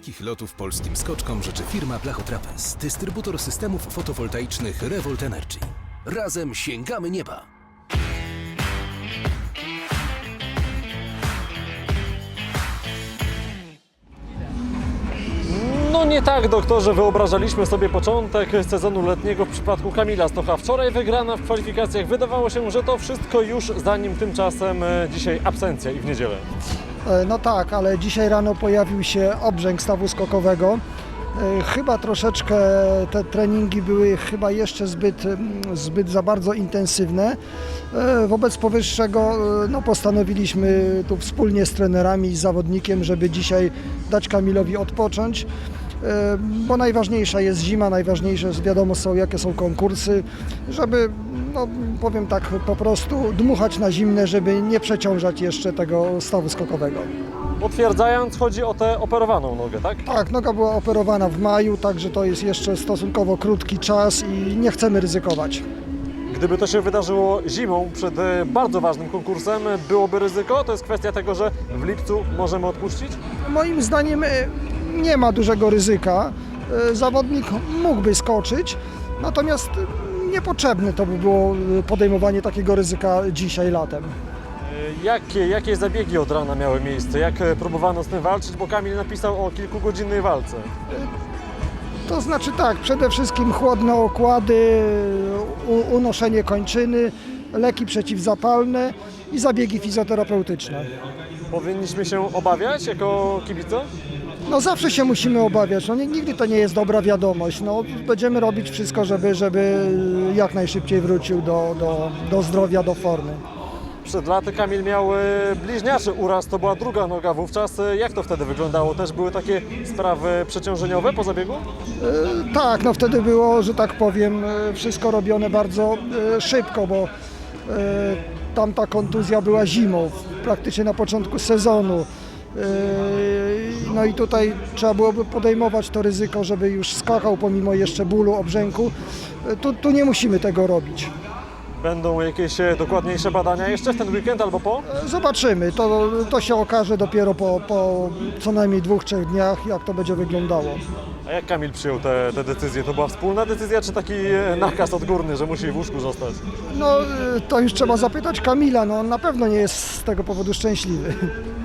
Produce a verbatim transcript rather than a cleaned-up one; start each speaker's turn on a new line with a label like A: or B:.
A: Wielkich lotów polskim skoczkom życzy firma Blachotrapez, dystrybutor systemów fotowoltaicznych Revolt Energy. Razem sięgamy nieba!
B: No nie tak, doktorze, wyobrażaliśmy sobie początek sezonu letniego w przypadku Kamila Stocha. Wczoraj wygrana w kwalifikacjach. Wydawało się, że to wszystko już, zanim tymczasem dzisiaj absencja i w niedzielę.
C: No tak, ale dzisiaj rano pojawił się obrzęk stawu skokowego. Chyba troszeczkę te treningi były chyba jeszcze zbyt, zbyt za bardzo intensywne. Wobec powyższego no, postanowiliśmy tu wspólnie z trenerami i z zawodnikiem, żeby dzisiaj dać Kamilowi odpocząć, bo najważniejsza jest zima, najważniejsze wiadomo są jakie są konkursy, żeby, no, powiem tak, po prostu dmuchać na zimne, żeby nie przeciążać jeszcze tego stawu skokowego.
B: Potwierdzając, chodzi o tę operowaną nogę, tak?
C: Tak, noga była operowana w maju, także to jest jeszcze stosunkowo krótki czas i nie chcemy ryzykować.
B: Gdyby to się wydarzyło zimą przed bardzo ważnym konkursem, byłoby ryzyko? To jest kwestia tego, że w lipcu możemy odpuścić?
C: Moim zdaniem nie ma dużego ryzyka. Zawodnik mógłby skoczyć, natomiast niepotrzebne to by było podejmowanie takiego ryzyka dzisiaj latem.
B: Jakie, jakie zabiegi od rana miały miejsce? Jak próbowano z tym walczyć? Bo Kamil napisał o kilkugodzinnej walce.
C: To znaczy tak, przede wszystkim chłodne okłady, unoszenie kończyny, leki przeciwzapalne i zabiegi fizjoterapeutyczne.
B: Powinniśmy się obawiać jako kibice?
C: No zawsze się musimy obawiać, no, nigdy to nie jest dobra wiadomość. No, będziemy robić wszystko, żeby, żeby jak najszybciej wrócił do, do, do zdrowia, do formy.
B: Przed laty Kamil miał bliźniaczy uraz, to była druga noga wówczas. Jak to wtedy wyglądało? Też były takie sprawy przeciążeniowe po zabiegu?
C: E, tak, no wtedy było, że tak powiem, wszystko robione bardzo e, szybko, bo e, tamta kontuzja była zimą, praktycznie na początku sezonu. E, no i tutaj trzeba byłoby podejmować to ryzyko, żeby już skakał pomimo jeszcze bólu, obrzęku. E, tu, tu nie musimy tego robić.
B: Będą jakieś dokładniejsze badania jeszcze w ten weekend albo po?
C: Zobaczymy, to, to się okaże dopiero po, po co najmniej dwóch, trzech dniach, jak to będzie wyglądało.
B: A jak Kamil przyjął te, te decyzje? To była wspólna decyzja, czy taki nakaz odgórny, że musi w łóżku zostać?
C: No to już trzeba zapytać Kamila, no on na pewno nie jest z tego powodu szczęśliwy.